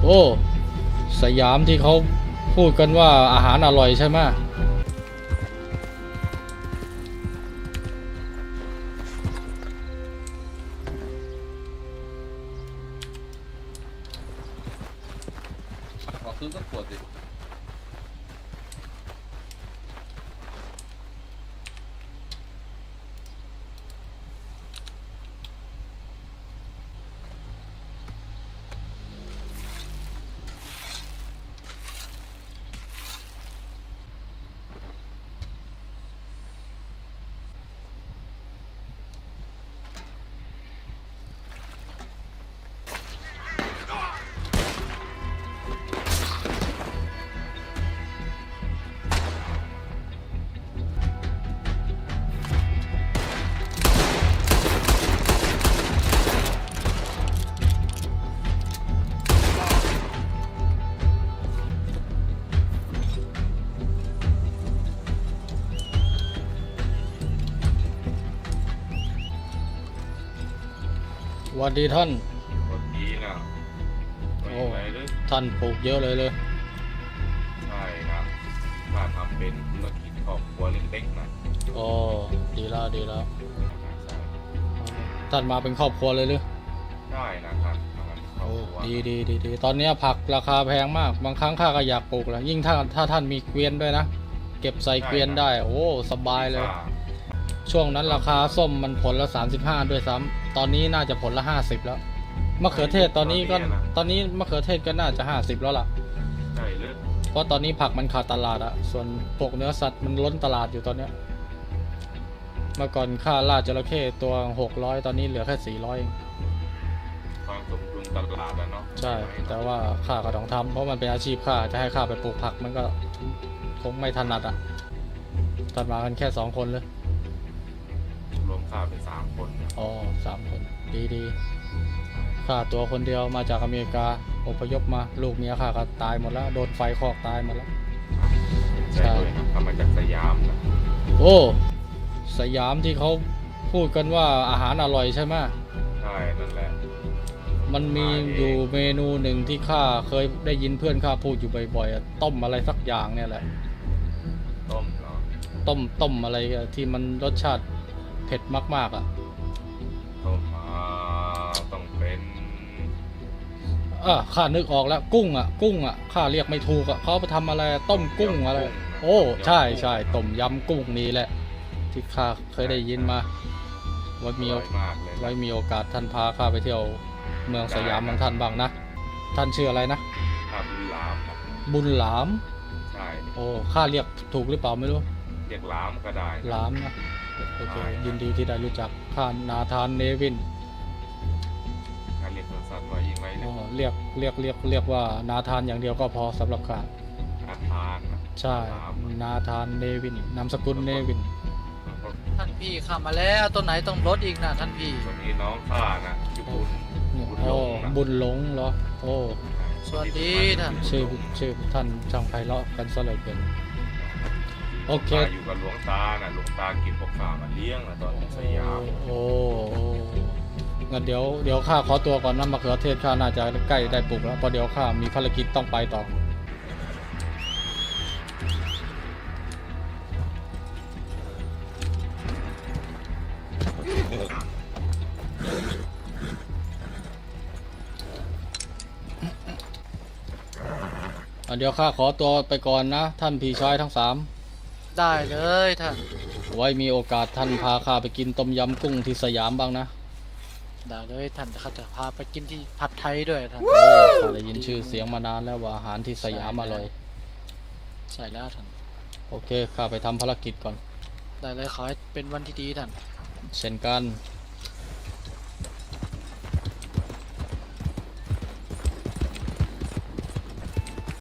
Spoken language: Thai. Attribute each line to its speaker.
Speaker 1: โอ้สยามที่เขาพูดกันว่าอาหารอร่อยใช่ไหม
Speaker 2: ขอซื้อสักขวดสิ
Speaker 1: สวัสดีท่าน
Speaker 2: วันนี้นะไม่ไหวเลย
Speaker 1: ท่านปลูกเยอะเลย
Speaker 2: ใช่นะถ้าทำเป็นธุรกิจครอบครัวเล็กๆนะ
Speaker 1: อ๋อดีแล้วดีแล้ว
Speaker 2: ใช่
Speaker 1: ท่านมาเป็นครอบครัวเลยหรือ
Speaker 2: ใช่นะครับทำเป็นครอบ
Speaker 1: โอ้
Speaker 2: ครัว
Speaker 1: ดีตอนนี้ผักราคาแพงมากบางครั้งข้าก็อยากปลูกแหละยิ่งถ้าท่านมีเกวียนด้วยนะเก็บใส่เกวียนได้โอ้สบายเลย ช่วงนั้นราคาส้มมันผลละ35ด้วยซ้ำตอนนี้น่าจะผลละ50แล้วมะเขือเทศตอนนี้มะเขือเทศก็น่าจะ50แล้วล่ะ
Speaker 2: ใช่เลย
Speaker 1: เพราะตอนนี้ผักมันขาดตลาดอะส่วนพวกเนื้อสัตว์มันล้นตลาดอยู่ตอนเนี้ยเมื่อก่อนค่าล่าจระเข้ตัว600ตอนนี้เหลือแค่400เอง
Speaker 2: ความสมดุลตลาดนะเนาะ
Speaker 1: ใช่แต่ว่าข้าก็ต้องทำเพราะมันเป็นอาชีพข้าจะให้ข้าไปปลูกผักมันก็คงไม่ถนัดอะตัดมากันแค่2คนเลย
Speaker 2: รวมค่าเป็น3 คนนะ
Speaker 1: อ๋อ3 คนดีข้าตัวคนเดียวมาจากอเมริกาอพยพมาลูกเมียข้าก็ตายหมดแล้วโดนไฟคอกตายหมดแล้ว
Speaker 2: ใช่เลยทำมาจากสยามนะ
Speaker 1: โอ้สยามที่เขาพูดกันว่าอาหารอร่อยใช่ไหม
Speaker 2: ใช่นั่นแหละ
Speaker 1: มันมีอยู่เมนูหนึ่งที่ข้าเคยได้ยินเพื่อนข้าพูดอยู่บ่อยๆอะต้มอะไรสักอย่างเนี่ยแหละ
Speaker 2: ต้มเนาะ
Speaker 1: ต้มอะไรอะที่มันรสชาติเผ็ดมากๆอ่ะ
Speaker 2: ต้มต้องเป็น
Speaker 1: ข้านึกออกแล้วกุ้งอ่ะข้าเรียกไม่ถูกอ่ะเขาไปทำอะไรต้มกุ้งอะไรโอ้ใช่ต้มยำกุ้งนี่แหละที่ข้าเคยได้ยินมาไว้มี
Speaker 2: อร่อยมากเลย
Speaker 1: ไว้มีโอกาสท่านพาข้าไปเที่ยวเมืองสยามของท่านบ้างนะท่านชื่ออะไรนะ
Speaker 2: ข้าวบุญหลามนะ
Speaker 1: บุญหลาม
Speaker 2: ใช่
Speaker 1: โอ้ข้าเรียกถูกหรือเปล่าไม่รู้
Speaker 2: เรียกหลามก็ได้
Speaker 1: หลามนะโอเคยินดีที่ได้รู้จักข้านาธานเนวิน
Speaker 2: การเรียกสั้นๆว่ายิงไร
Speaker 1: อ๋
Speaker 2: เนี่
Speaker 1: อยเรียกว่านาธานอย่างเดียวก็พอสำหรับข้า
Speaker 2: อาทานนะ
Speaker 1: ใช่นาธานเนวินนามสกุลเนวิน
Speaker 3: ท่านพี่ขับมาแล้วต้นไหนต้องลดอีกนะท่านพี่
Speaker 2: วันนี้น้องข้านะชื่อบุญ
Speaker 1: โอ้บุญหลงเหรอโอ้
Speaker 3: สวัสดีท่าน
Speaker 1: ชื่อท่านช่างไพเราะกันซะเหลือเกินโอเค
Speaker 2: อยู่กับหลวงตานะหลวงตากินพวกข้ามาเลี้ยงนะตอนอยู่สยาม
Speaker 1: โอ้งั้นเดี๋ยวข้าขอตัวก่อนนะมะเขือเทศข้าน่าจะใกล้ได้ปลูกแล้วเพราะเดี๋ยวข้ามีภารกิจต้องไปต่อเดี๋ยวข้าขอตัวไปก่อนนะท่านพี่ชายทั้ง3
Speaker 3: ได้เลยท่าน
Speaker 1: ไว้มีโอกาสท่านพาข้าไปกินต้มยำกุ้งที่สยามบ้างนะ
Speaker 3: ได้เลยท่านเขาจะพาไปกินที่ผัดไทยด้วยท่าน
Speaker 1: โอ้ข้าได้ยินชื่อเสียงมานานแล้วว่าอาหารที่สยามอร่อย
Speaker 3: ใช่แล้วท่าน
Speaker 1: โอเคข้าไปทำภารกิจก่อน
Speaker 3: ได้เลยขอให้เป็นวันที่ดีท่าน
Speaker 1: เช่นกัน